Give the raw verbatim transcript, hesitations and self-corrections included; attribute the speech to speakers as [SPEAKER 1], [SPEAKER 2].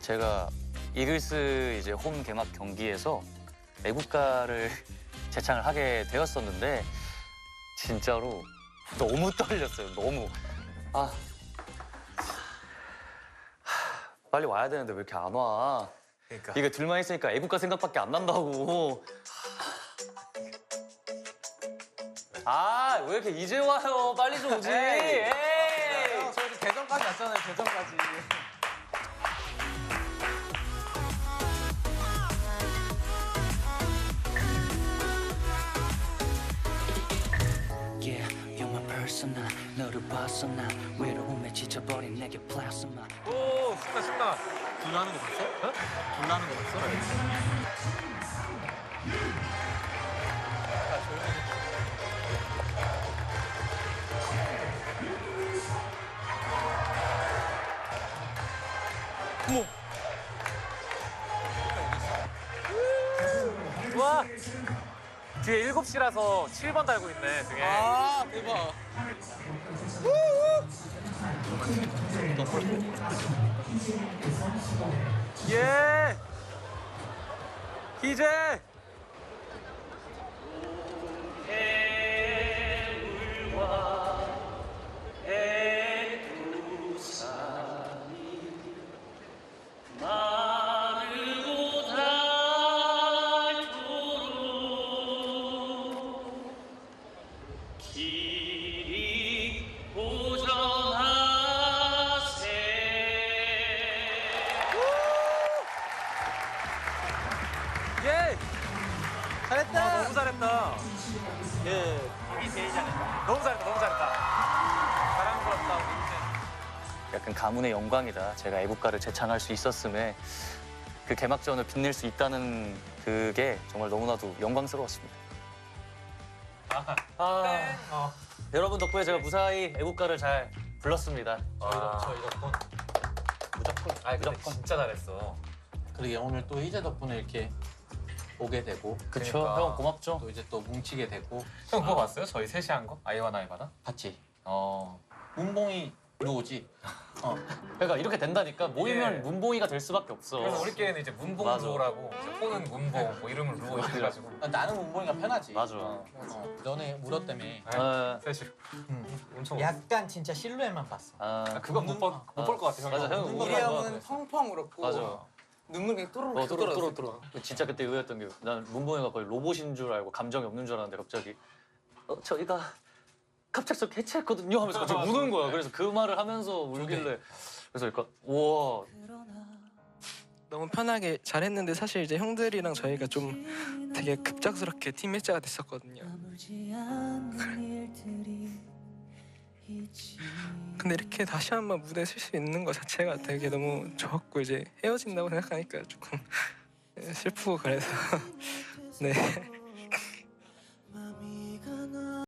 [SPEAKER 1] 제가 이글스 이제 홈 개막 경기에서 애국가를 제창을 하게 되었었는데 진짜로 너무 떨렸어요. 너무. 아, 빨리 와야 되는데 왜 이렇게 안 와?
[SPEAKER 2] 그러니까.
[SPEAKER 1] 이게 둘만 있으니까 애국가 생각밖에 안 난다고. 아, 왜 이렇게 이제 와요? 빨리 좀 오지. 에이.
[SPEAKER 2] 형, 저희 대전까지 왔잖아요. 대전까지.
[SPEAKER 3] Yeah, you're my persona. 너를 봤어 난 외로움에 지쳐버린 내게 플라스마.
[SPEAKER 2] 오, 신나 신나. 불나는 거 봤어? 어? 불나는 거 봤어? 어머. 와. 뒤에 일곱 시라서 칠 번 달고 있네, 등에. 아, 대박. 예. 이제. 예. 잘했다. 와, 너무 잘했다. 예. 우리 제일 잘했다. 너무 잘했다. 너무 잘했다. 자랑스럽다. 우리 이제.
[SPEAKER 1] 약간 가문의 영광이다. 제가 애국가를 제창할 수 있었음에 그 개막전을 빛낼 수 있다는 그게 정말 너무나도 영광스러웠습니다.
[SPEAKER 2] 아,
[SPEAKER 1] 아,
[SPEAKER 2] 어.
[SPEAKER 1] 여러분 덕분에 제가 무사히 애국가를 잘 불렀습니다.
[SPEAKER 2] 아, 저 이덕분.
[SPEAKER 4] 무조건.
[SPEAKER 2] 아, 근데
[SPEAKER 1] 무조건.
[SPEAKER 2] 진짜 잘했어.
[SPEAKER 4] 그러게 오늘 또 희재 덕분에 이렇게 오게 되고
[SPEAKER 1] 그쵸?
[SPEAKER 2] 그러니까.
[SPEAKER 1] 형 고맙죠?
[SPEAKER 4] 또 이제 또 뭉치게 되고.
[SPEAKER 2] 형 그거 봤어요? 저희 셋이 한 거? 아이와 나이바다?
[SPEAKER 4] 봤지?
[SPEAKER 2] 어.
[SPEAKER 4] 문봉이 누구지? 어.
[SPEAKER 1] 그러니까 이렇게 된다니까 모이면
[SPEAKER 2] 예.
[SPEAKER 1] 문봉이가 될 수밖에 없어.
[SPEAKER 2] 그래서 우리끼리는 이제 문봉
[SPEAKER 1] 맞아.
[SPEAKER 2] 루어라고 이제 호는 문봉 뭐 이름을 루어 이렇게 해가지고.
[SPEAKER 4] 아, 나는 문봉이가 편하지.
[SPEAKER 1] 맞아.
[SPEAKER 4] 어. 너네 물었다며.
[SPEAKER 1] 아,
[SPEAKER 2] 셋이. 엄청.
[SPEAKER 4] 약간 진짜 실루엣만 봤어.
[SPEAKER 1] 아,
[SPEAKER 2] 아, 그건 못볼못 볼 것 같아.
[SPEAKER 1] 맞아, 형.
[SPEAKER 4] 눈물
[SPEAKER 1] 우리
[SPEAKER 4] 흘려.
[SPEAKER 1] 형은
[SPEAKER 5] 형은 펑펑 울었고
[SPEAKER 1] 맞아.
[SPEAKER 5] 눈물이 그냥 또르르
[SPEAKER 1] 어, 뚫어, 뚫어,
[SPEAKER 5] 뚫어
[SPEAKER 1] 뚫어. 진짜 그때 의외였던 게 난 문봉이가 거의 로봇인 줄 알고 감정이 없는 줄 알았는데 갑자기 어, 저희가 갑작스럽게 해체했거든요 하면서 갑자기 우는 거야. 그래서 그 말을 하면서 울길래 그래서 그러니까 우와.
[SPEAKER 5] 너무 편하게 잘했는데 사실 이제 형들이랑 저희가 좀 되게 급작스럽게 팀 일자가 됐었거든요. 근데 이렇게 다시 한번 무대에 설 수 있는 것 자체가 되게 너무 좋았고 이제 헤어진다고 생각하니까 조금 슬프고 그래서 네.